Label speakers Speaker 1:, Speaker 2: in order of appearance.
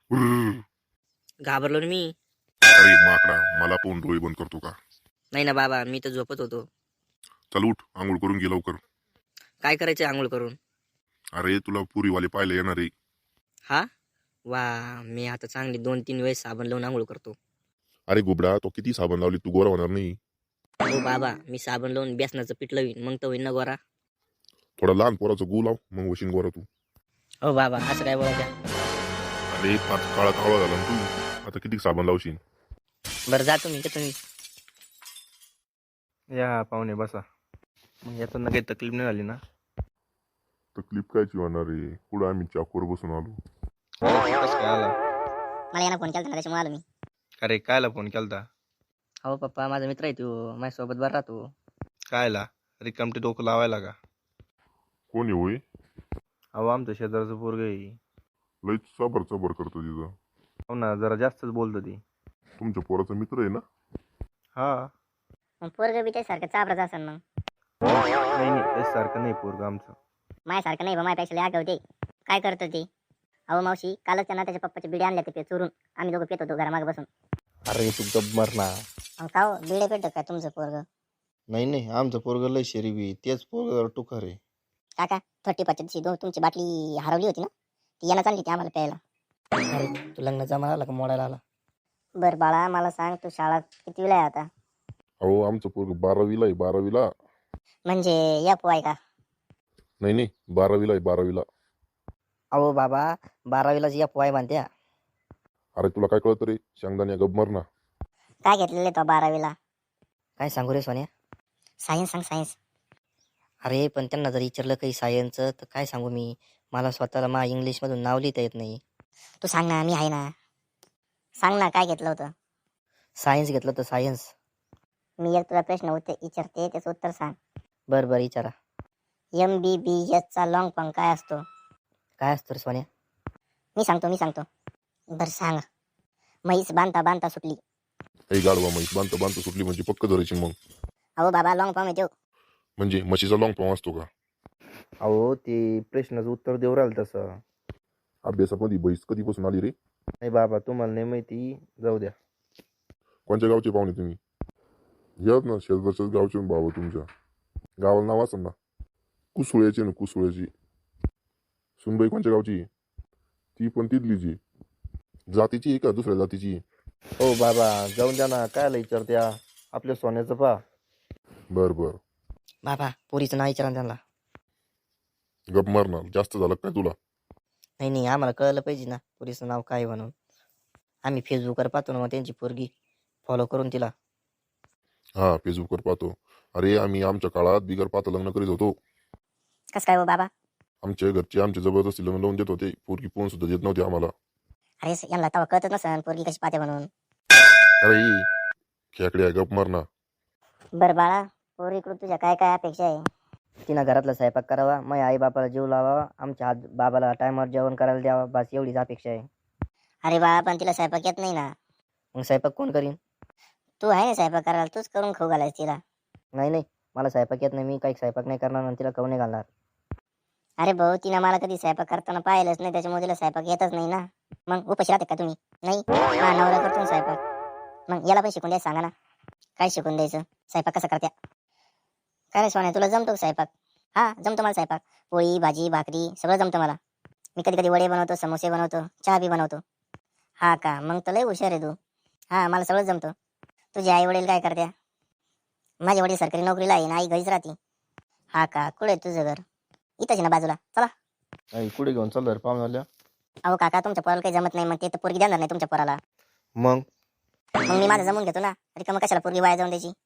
Speaker 1: उर्र.
Speaker 2: घाबरलो ना मी.
Speaker 1: अरे माकडा, मला पाहून डोळे बंद करतो का?
Speaker 2: नाही ना बाबा, मी तर झोपत होतो.
Speaker 1: चल उठ, आंघोळ करून घे लवकर.
Speaker 2: काय करायचं आंघोळ करून?
Speaker 1: अरे तुला पुरीवाले पाहायला येणार आहे.
Speaker 2: हा वा, मी आता चांगली 2-3 वेळेस साबण लावून आंघोळ करतो.
Speaker 1: अरे गुबडा, तो किती साबण लावली तू गोरा होणार नाही.
Speaker 2: हो बाबा, मी साबण लावून बेसनाचं पीठ लावीन, मग तर होईन ना गोरा.
Speaker 1: थोडा लहान पोराचं गू लाव, मग वशीन गोरा तू.
Speaker 2: हो बाबा, असं काय बोला त्या.
Speaker 1: अरे पाच काळा कावळा झाला ना तू, आता किती साबण लावशील?
Speaker 2: बरं जा तुम्ही का तुम्ही.
Speaker 3: या पाहुणे बसा. मग यातून काही तकलीफ नाही झाली ना?
Speaker 1: तकलीफ कायची होणार आहे, पुढे आम्ही चाकूवर बसून आलो.
Speaker 3: कसं काय आला?
Speaker 2: मला यानं फोन केला ना, त्याच्यामुळे आलो मी.
Speaker 3: अरे कायला फोन केलता?
Speaker 2: हो पप्पा, माझा मित्र आहे तो, माझ्यासोबत बरं राहतो.
Speaker 3: कायला रिकामटे डोकं लावायला का?
Speaker 1: कोणी होय?
Speaker 3: अहो आमचं शेजारचं पोरग आहे.
Speaker 1: लईच चबर चबर करतो तिथं.
Speaker 3: हो ना, जरा जास्तच बोलतं ती.
Speaker 1: तुमच्या पोराचा मित्र आहे ना?
Speaker 3: हा.
Speaker 2: मग पोरग बी त्यासारखं चाबराच असेल मग.
Speaker 3: नाही नाही, त्याच्यासारखं नाही पोरग आमचं.
Speaker 2: माझ्यासारखं नाही बा, माझ्यापेक्षा लय आगाऊ ते. काय करतो ते? अहो मावशी, कालच त्यांना त्याच्या पप्पाचे बिडे आणले ते चोरून. आम्ही दोघं पित होतो घरामागे बसून.
Speaker 3: अरे तू गप मर ना.
Speaker 2: का हो, बिडे पेटत काय तुमचं पोरग?
Speaker 3: नाही नाही, आमचं पोरग लय शरीबी, तेच पोरग जरा टुकार आहे.
Speaker 2: काका 35ची तुमची बाटली हरवली होती ना, ती यानं चालली ती आम्हाला प्यायला. अरे तू लग्नाचा मला आला का मोडायला आला? बरं बाळा, मला सांग तू शाळा कितवीला आहे आता?
Speaker 1: अहो आमचं पोरग 12वीला आहे, 12वीला.
Speaker 2: म्हणजे या पोय का?
Speaker 1: नाही नाही, 12वीला आहे, 12वीला.
Speaker 2: अहो बाबा, 12वीलाच या पोय म्हणत्या.
Speaker 1: अरे तुला काय कळतं रे, शेंगदाण्या गप मर ना.
Speaker 2: काय घेतलेलं तो 12वीला? काय सांगू रे सोन्या? सायन्स सांग, सायन्स. अरे पण त्यांना जर विचारलं काही सायन्सचं तर काय सांगू मी? मला स्वतःला इंग्लिशमधून नाव लिहिता येत नाही. तू सांग ना, मी आहे ना. सांग ना, काय घेतलं होतं? सायन्स घेतलं होतं, सायन्स. मी एक तुला प्रश्न विचारते, त्याचं उत्तर सांग. बरं बरं, विचारा. MBBS चा लॉंग फॉर्म काय असतो? काय असतो रे सोन्या? मी सांगतो. बरं सांग. म्हैस बांधता बांधता सुटली.
Speaker 1: हे गाडवा, म्हैस बांधता बांधता सुटली म्हणजे पक्क धरायची मग.
Speaker 2: अहो बाबा, लॉंग फॉर्म आहे तो.
Speaker 1: म्हणजे म्हशीचा लॉंग फॉर्म असतो का?
Speaker 3: अहो ते प्रश्नाचं उत्तर देऊ राहिलं तसं.
Speaker 1: अभ्यासामध्ये म्हैस कधीपासून आली रे?
Speaker 3: नाही बाबा, तुम्हाला नाही माहिती, जाऊ द्या.
Speaker 1: कोणत्या गावचे पाहुणे तुम्ही? यात ना शेजारच्याच गावचे भाऊ तुमच्या. गावाला नाव असेल ना? कुसुळ्याची ना, कुसुळ्याची. सुनबाई कोणत्या गावची? ती पण तिथलीची. जातीची आहे का दुसऱ्या जातीची?
Speaker 3: हो बाबा, जाऊन द्या ना, कायला विचारत्या? आपल्या सोन्याचं पा.
Speaker 1: बर बर.
Speaker 2: बाबा, पोरीचं नाव विचारा त्यांना.
Speaker 1: गप मारणार, जास्त झालं काय तुला?
Speaker 2: नाही, आम्हाला कळलं पाहिजे ना पोरीचं नाव काय म्हणून. आम्ही फेसबुकवर पाहतो ना, मग त्यांची पोरगी फॉलो करून तिला.
Speaker 1: हा, फेसबुकवर पाहतो. अरे आम्ही आमच्या काळात बिगर पाहता लग्न करीत होतो.
Speaker 2: कसं काय हो बाबा?
Speaker 1: आमच्या घरचे आमच्या जबरदस्ती लग्न लावून देत होते. पोरगी पोहून सुद्धा देत नव्हते आम्हाला.
Speaker 2: अरे यांना तवा कळतच नसन पोरगी कशी पाहते म्हणून.
Speaker 1: अरे खेकड्या, गप मारना.
Speaker 2: बरं बाळा, पोरीकडून तुझ्या काय काय अपेक्षा आहे? तिनं घरातला स्वयंपाक करावा, मग आई बापाला जीव लावावा, आमच्या बाबाला टायमावर जेवण करायला द्यावा, बस एवढीच अपेक्षा आहे. अरे बाळा, पण तिला स्वयंपाक येत नाही ना. मग स्वयंपाक कोण करीन? तू आहे ना स्वयंपाक करायला, तूच करून खाऊ घालायच तिला. नाही, मला स्वयंपाक येत नाही, मी काही स्वयंपाक नाही करणार आणि तिला खाऊ नाही घालणार. अरे भाऊ, तिनं मला कधी स्वयंपाक करताना पाहिलंच नाही, त्याच्यामुळे तिला स्वयंपाक येतच नाही ना. मग उपाशी राहते का तुम्ही? नाही, हा नवरा करतो ना स्वयंपाक. मग याला पण शिकून द्यायचं, सांगा ना. काय शिकून द्यायचं? स्वयंपाक कसा करत्या? काय रे सोन्या, तुला जमतो स्वयंपाक? हा, जमतो मला स्वयंपाक. पोळी भाजी भाकरी सगळं जमतं मला. मी कधी कधी वडे बनवतो, समोसे बनवतो, चहा बी बनवतो. हा का, मग तर लय हुशार आहे तू. हा, मला सगळं जमतं. तुझे आई वडील काय करत्या? माझे वडील सरकारी नोकरीला आहे ना, आई घरीच राहते. हा का, कुठे आहे तुझं घर? इथंच ना बाजूला, चला.
Speaker 3: नाही, कुठे घेऊन चाललं रे पाहुण्याला?
Speaker 2: अहो काका, तुमच्या पोराला काही जमत नाही, मग ते तर पोरगी देणार नाही तुमच्या पोराला.
Speaker 3: मग
Speaker 2: मग मी माझं जमून घेतो ना, रिकामं कशाला पोरगी वाया जाऊन द्यायची.